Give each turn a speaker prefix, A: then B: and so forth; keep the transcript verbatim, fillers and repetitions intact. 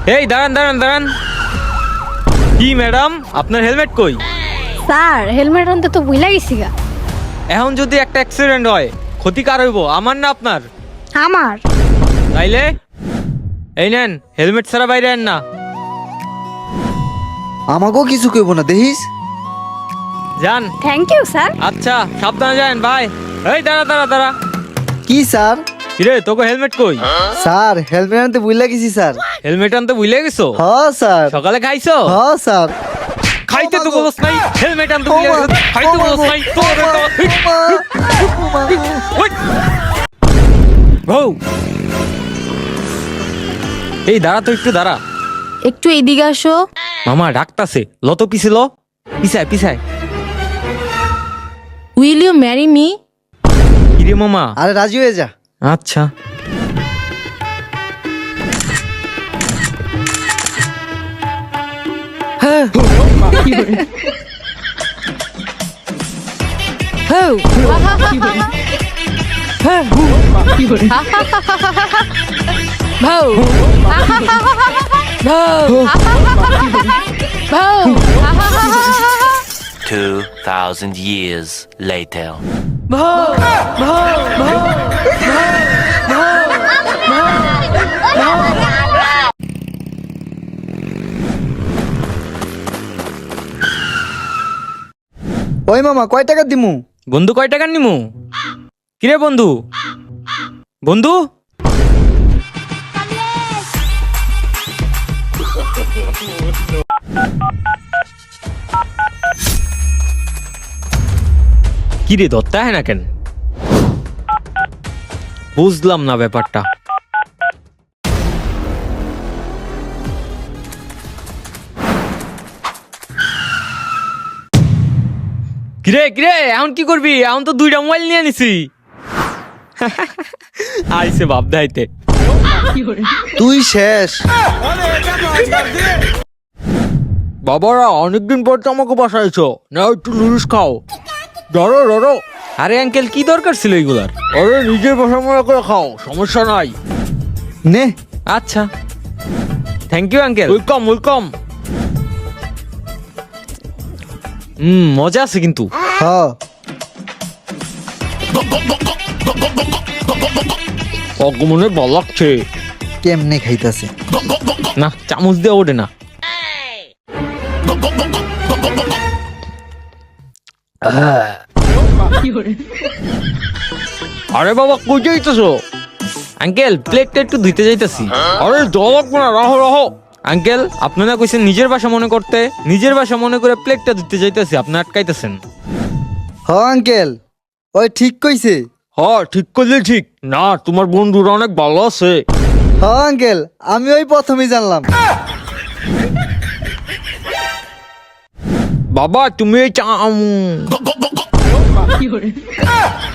A: এই দাঁড়ান দাঁড়ান দাঁড়ান। কি ম্যাডাম, আপনার হেলমেট কই?
B: স্যার হেলমেট আনতে তো ভুলে গেছি গা।
A: এখন যদি একটা অ্যাক্সিডেন্ট হয় ক্ষতি কার হইব, আমার না আপনার?
B: আমার।
A: তাইলে এই নেন, হেলমেট ছাড়া বাইরে আন না।
C: আমাকেও কিছু কইব না দেখিস।
A: যান।
B: Thank you sir.
A: আচ্ছা সাবধানে যান ভাই। এই দাঁড়া দাঁড়া দাঁড়া।
C: কি স্যার?
A: কিরে তোকে হেলমেট কই?
C: স্যার হেলমেট আনতে ভুলে গেছি স্যার।
A: হেলমেট আনতে ভুলে গেছো?
C: হ স্যার।
A: সকালে খাইছো?
C: হ স্যার।
A: খাইতে তো বলছ নাই, হেলমেট আনতে ভুলে গেছো। খাইতে বলছ নাই তো। বউ এই দাঁড়া তো, একটু দাঁড়া।
B: একটু এদিকে আসো।
A: মামা ডাকতাছে, লত পিছিল পিছায় পিছায়।
B: Will you marry me?
A: কিরে মামা?
C: আরে রাজি হয়ে যা।
A: আচ্ছা।
D: Two thousand years later.
C: ওই মামা কয় টাকা দিমু?
A: বন্ধু কয় টাকা নিমু? কিরে বন্ধু? বন্ধু কিরে ধরতে হয় না কেন? বুঝলাম না ব্যাপারটা। কিরে কিরে এখন কি করবি? এখন তো দুইটা মোবাইল নিয়ে নিছি। আইসে বাপ দাইতে।
C: তুই শেষ।
A: বাবারা অনেকদিন পর তো আমাকে বাসাইছো, না একটু নুডলস খাও। ধরো ধরো। আরে আঙ্কেল কি দরকার ছিল এগুলার? আরে নিজের বাসা মনে করে খাও, সমস্যা নাই।
C: নে।
A: আচ্ছা thank you uncle. Welcome welcome. হুম মজা আছে কিন্তু।
C: হ।
A: অগমনে ভালো লাগছে।
C: কেমনে খাইতাছে?
A: না চামচ দিয়ে ওঠে না। আরে বাবা কই যাইতেছো? আঙ্কেল প্লেটটা একটু ধুইতে যাইতেছি। আরে জল লাগবে না, রাহো রাহো। আঙ্কেল আপনারা কইছেন নিজের বাসা মনে করতে, নিজের বাসা মনে করে প্লেটটা ধুইতে যাইতেছি, আপনি আটকাইতেছেন।
C: হ আঙ্কেল ওই ঠিক কইছে।
A: হ্যাঁ ঠিক করলে ঠিক না, তোমার বন্ধুরা অনেক ভালো আছে।
C: হ আঙ্কেল আমি ওই প্রথমেই জানলাম।
A: বাবা তুমি এই চা